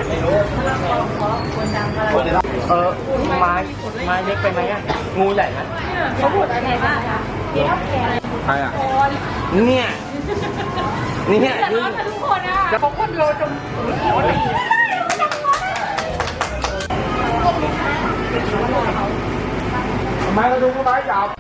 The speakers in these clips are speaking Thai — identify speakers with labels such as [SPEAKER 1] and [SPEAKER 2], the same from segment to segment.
[SPEAKER 1] ไม่รู้ไม้เล็กไปไหมอ่ะงูใหญ่ไหม
[SPEAKER 2] เขาพูดอะไรบ้างคะเดี๋ยวแก
[SPEAKER 1] ใครอ่ะเนี่ยนี่เนี่ย
[SPEAKER 2] แต่ร้อนทุกคนอ่ะเขาคนเดียวจนหัวตี
[SPEAKER 1] ไม้กระดุมไม้ยาว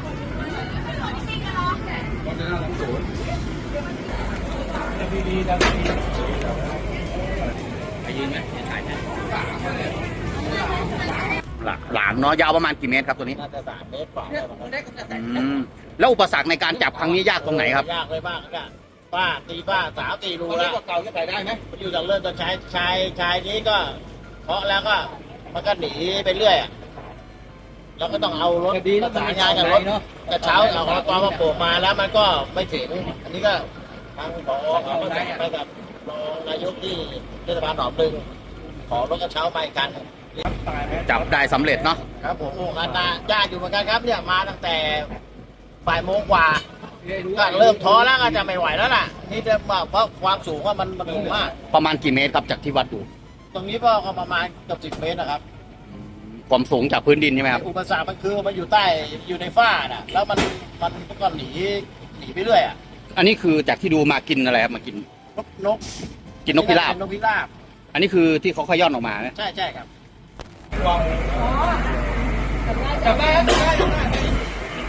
[SPEAKER 3] หลามเนาะยาวประมาณกี่เมตรครับตัวนี้
[SPEAKER 1] น่าจะ3 เมตรกว่า
[SPEAKER 3] แล้วอุปสรรคในการจับครั้งนี้ยากตรงไหนครับ
[SPEAKER 1] ยากเลยมากก็ป้าสาวตีรูแล้วเก่าจะใส่ได้ไหมอยู่จากเริ่มต้นชายนี้ก็เพาะแล้วก็มันก็หนีไปเรื่อยเราก็ต้องเอารถประสานงานกับรถกระเช้าเอาตอนมาโผล่มาแล้วมันก็ไม่ถึงอันนี้ก็ทางผอเขาประสานไปกับรองนายกที่เทศบาลหนองบึงขอรถกระเช้าไปกัน
[SPEAKER 3] จับได้สำเร็จเนาะ
[SPEAKER 1] ครับผมโอ้งานยากอยู่เหมือนกันครับเนี่ยมาตั้งแต่บ่ายโมงกว่าก็เริ่มท้อแล้วก็จะไม่ไหวแล้วล่ะนี่จะเพราะความสูงว่ามันสูงมาก
[SPEAKER 3] ประมาณกี่เมตรครับจากที่วัดดู
[SPEAKER 1] ตรงนี้ก็ประมาณเกือบ10 เมตรนะครับ
[SPEAKER 3] ความสูงจากพื้นดินใช่ไหมครับ
[SPEAKER 1] อุปสรรคมันคือมันอยู่ใต้อยู่ในฝ้าน่ะแล้วมันก็หนีไปเรื่อยอ่ะ
[SPEAKER 3] อันนี้คือจากที่ดูมากินอะไรครับมากิน
[SPEAKER 1] นก
[SPEAKER 3] กินนกพิราบอันนี้คือที่เขาขย้อนออกมา
[SPEAKER 1] ใช่ครับ
[SPEAKER 2] จับได้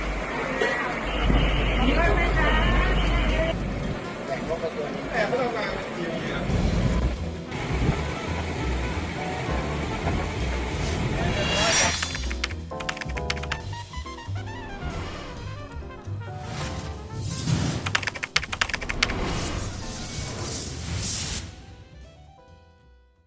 [SPEAKER 1] แต่ไม่ต้องมา